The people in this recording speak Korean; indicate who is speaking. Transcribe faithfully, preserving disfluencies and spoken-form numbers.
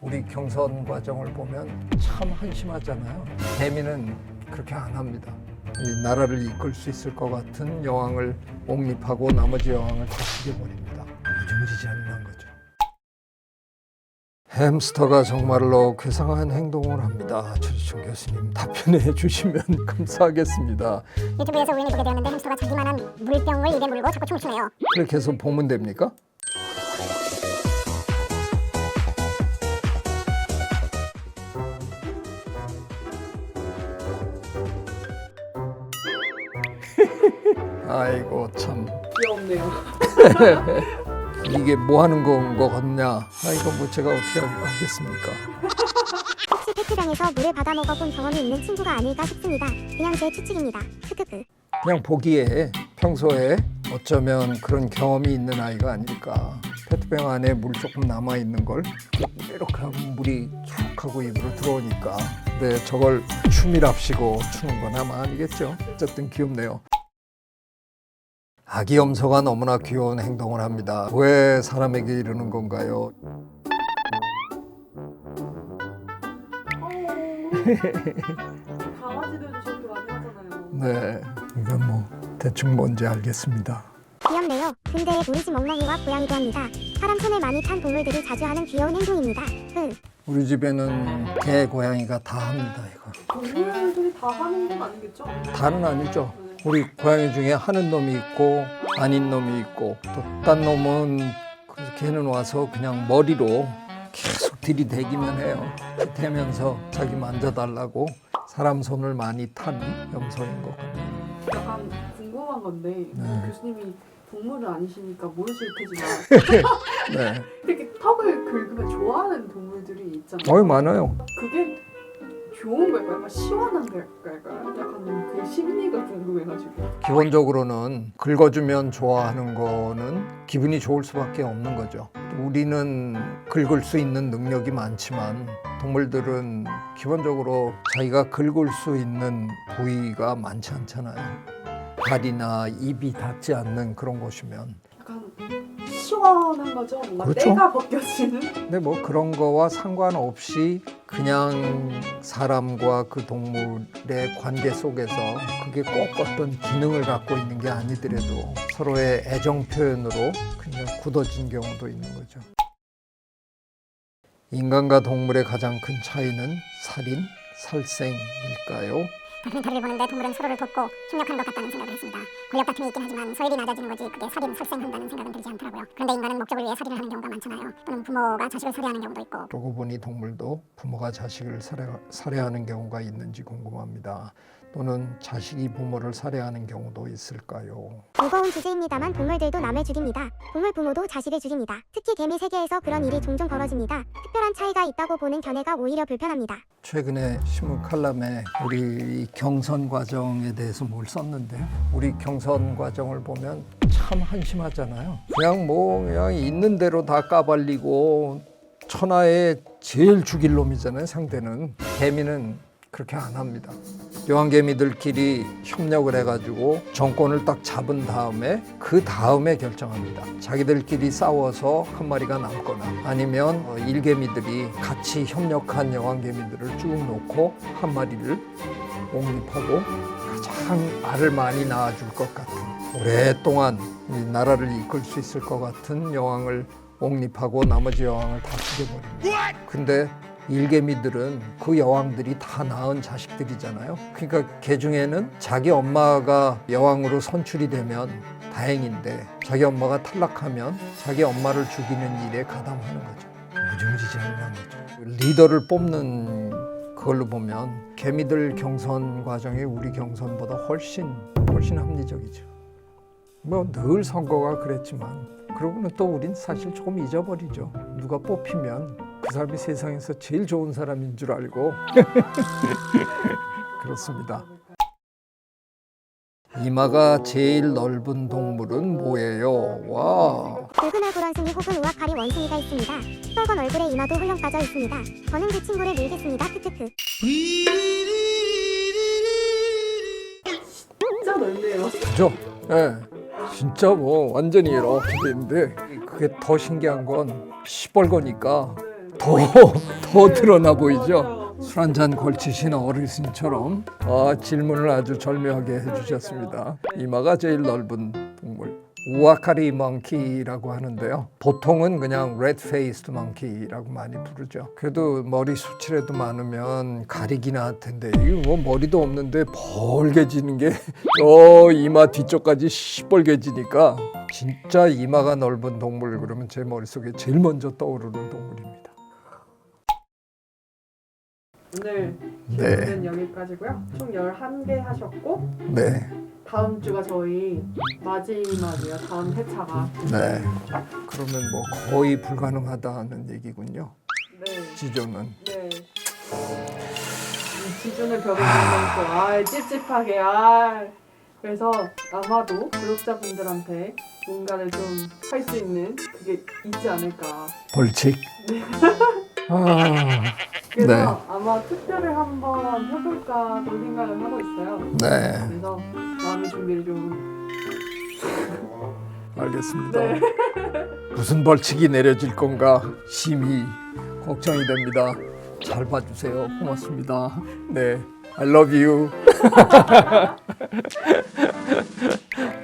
Speaker 1: 우리 경선 과정을 보면 참 한심하잖아요. 개미는 그렇게 안 합니다. 이 나라를 이끌 수 있을 것 같은 여왕을 옹립하고 나머지 여왕을 다 죽여버립니다. 무지무지장난 거죠. 햄스터가 정말로 괴상한 행동을 합니다. 최지총 교수님 답변해 주시면 감사하겠습니다.
Speaker 2: 유튜브에서 우연히 보게 되었는데 햄스터가 자기만한 물병을 입에 물고 자꾸 춤을 추네요.
Speaker 1: 그렇게 해서 보면 됩니까? 아이고 참
Speaker 3: 귀엽네요.
Speaker 1: 이게 뭐 하는 건 거 같냐? 아 이거 뭐 제가 어떻게 알겠습니까?
Speaker 2: 혹시 페트병에서 물을 받아 먹어본 경험이 있는 친구가 아닐까 싶습니다. 그냥 제 추측입니다. 크크크.
Speaker 1: 그냥 보기에 평소에 어쩌면 그런 경험이 있는 아이가 아닐까. 페트병 안에 물 조금 남아 있는 걸 이렇게 하면 물이 쭉 하고 입으로 들어오니까. 근데 저걸 춤이랍시고 추는 건 아마 아니겠죠. 어쨌든 귀엽네요. 아기 염소가 너무나 귀여운 행동을 합니다. 왜 사람에게 이러는 건가요?
Speaker 3: 강아지들도 저렇게 많이 하잖아요.
Speaker 1: 네, 이건 뭐 대충 뭔지 알겠습니다.
Speaker 2: 귀엽네요. 근데 우리 집 멍멍이와 고양이도 합니다. 사람 손을 많이 탄 동물들이 자주 하는 귀여운 행동입니다. 흥.
Speaker 1: 우리 집에는 개, 고양이가 다 합니다. 이거
Speaker 3: 동물들이 다 하는 건 아니겠죠?
Speaker 1: 다는 아니죠. 우리 고양이 중에 하는 놈이 있고 아닌 놈이 있고 또 딴 놈은 그 걔는 와서 그냥 머리로 계속 들이대기만 해요. 대면서 자기 만져달라고 사람 손을 많이 탄 염소인 것 같네요.
Speaker 3: 약간 궁금한 건데
Speaker 1: 네.
Speaker 3: 교수님이 동물은 아니시니까 모르실 테지만
Speaker 1: 네,
Speaker 3: 이렇게 턱을 긁으면 좋아하는 동물들이 있잖아요.
Speaker 1: 어이 많아요.
Speaker 3: 그게 좋은 걸까요? 약간 시원한 걸까요? 약간 그 심리가 궁금해가지고.
Speaker 1: 기본적으로는 긁어주면 좋아하는 거는 기분이 좋을 수밖에 없는 거죠. 우리는 긁을 수 있는 능력이 많지만 동물들은 기본적으로 자기가 긁을 수 있는 부위가 많지 않잖아요. 발이나 입이 닿지 않는 그런 곳이면.
Speaker 3: 약간 시원한 거죠? 뭔가
Speaker 1: 그렇죠.
Speaker 3: 때가 벗겨지는?
Speaker 1: 근데 뭐 그런 거와 상관없이 그냥 사람과 그 동물의 관계 속에서 그게 꼭 어떤 기능을 갖고 있는 게 아니더라도 서로의 애정 표현으로 그냥 굳어진 경우도 있는 거죠. 인간과 동물의 가장 큰 차이는 살인, 살생일까요?
Speaker 2: 다큐멘터리를 보는데 동물은 서로를 돕고 협력하는 것 같다는 생각을 했습니다. 권력 다툼이 있긴 하지만 서열이 낮아지는 거지 그게 살인, 살생한다는 생각은 들지 않더라고요. 그런데 인간은 목적을 위해 살인을 하는 경우가 많잖아요. 또는 부모가 자식을 살해하는 경우도 있고.
Speaker 1: 그러고 보니 동물도 부모가 자식을 살해, 살해하는 경우가 있는지 궁금합니다. 또는 자식이 부모를 살해하는 경우도 있을까요?
Speaker 2: 무거운 주제입니다만 동물들도 남을 죽입니다. 동물 부모도 자식을 죽입니다. 특히 개미 세계에서 그런 일이 종종 벌어집니다. 특별한 차이가 있다고 보는 견해가 오히려 불편합니다.
Speaker 1: 최근에 신문 칼럼에 우리 이 경선 과정에 대해서 뭘 썼는데요. 우리 경선 과정을 보면 참 한심하잖아요. 그냥 뭐 그냥 있는 대로 다 까발리고 천하에 제일 죽일 놈이잖아요. 상대는. 개미는 그렇게 안 합니다. 여왕개미들끼리 협력을 해가지고 정권을 딱 잡은 다음에 그 다음에 결정합니다. 자기들끼리 싸워서 한 마리가 남거나 아니면 일개미들이 같이 협력한 여왕개미들을 쭉 놓고 한 마리를 옹립하고 가장 알을 많이 낳아줄 것 같은 오랫동안 이 나라를 이끌 수 있을 것 같은 여왕을 옹립하고 나머지 여왕을 다 죽여버립니다. 근데 일개미들은 그 여왕들이 다 낳은 자식들이잖아요. 그러니까 개 중에는 자기 엄마가 여왕으로 선출이 되면 다행인데 자기 엄마가 탈락하면 자기 엄마를 죽이는 일에 가담하는 거죠. 무지무지장난 거죠. 리더를 뽑는 그걸로 보면 개미들 경선 과정이 우리 경선보다 훨씬 훨씬 합리적이죠. 뭐 늘 선거가 그랬지만 그러고는 또 우린 사실 조금 잊어버리죠. 누가 뽑히면 그 사람이 세상에서 제일 좋은 사람인 줄 알고 그렇습니다. 이마가 제일 넓은 동물은 뭐예요? 와.
Speaker 2: 붉은 얼굴원숭이 혹은 우악가리 원숭이가 있습니다. 시뻘건 얼굴에 이마도 홀렁 빠져 있습니다. 저는 그 친구를 밀겠습니다. 크크크.
Speaker 3: 진짜 넓네요.
Speaker 1: 그죠? 예. 네. 진짜 뭐 완전히 이렇게 되는데 그게 더 신기한 건 시뻘거니까 더, 더 드러나 보이죠?
Speaker 3: 맞아요.
Speaker 1: 술 한 잔 걸치신 어르신처럼 아, 질문을 아주 절묘하게 해주셨습니다. 이마가 제일 넓은 동물. 우아카리 멍키라고 하는데요. 보통은 그냥 레드 페이스드 멍키라고 많이 부르죠. 그래도 머리 수치라도 많으면 가리기나 할 텐데 이거 뭐 머리도 없는데 벌게지는 게 저 이마 뒤쪽까지 시뻘개지니까 진짜 이마가 넓은 동물 그러면 제 머릿속에 제일 먼저 떠오르는 동물입니다.
Speaker 3: 오늘
Speaker 1: 네.
Speaker 3: 질문은 여기까지고요. 총 열한 개 하셨고
Speaker 1: 네,
Speaker 3: 다음 주가 저희 마지막이에요. 다음 회차가.
Speaker 1: 네. 그러면 뭐 거의 불가능하다는 얘기군요.
Speaker 3: 네.
Speaker 1: 지조는.
Speaker 3: 네. 이 기준을 벽에 걸고 아 찝찝하게 아 그래서 아마도 구독자분들한테 뭔가를 좀 할 수 있는 그게 있지 않을까.
Speaker 1: 벌칙. 아,
Speaker 3: 그래서
Speaker 1: 네.
Speaker 3: 아마 투표를 한번 해볼까도 생각을 하고 있어요.
Speaker 1: 네,
Speaker 3: 그래서 마음의 준비를 좀.
Speaker 1: 알겠습니다.
Speaker 3: 네.
Speaker 1: 무슨 벌칙이 내려질 건가 심히 걱정이 됩니다. 잘 봐주세요. 고맙습니다. 네, I love you.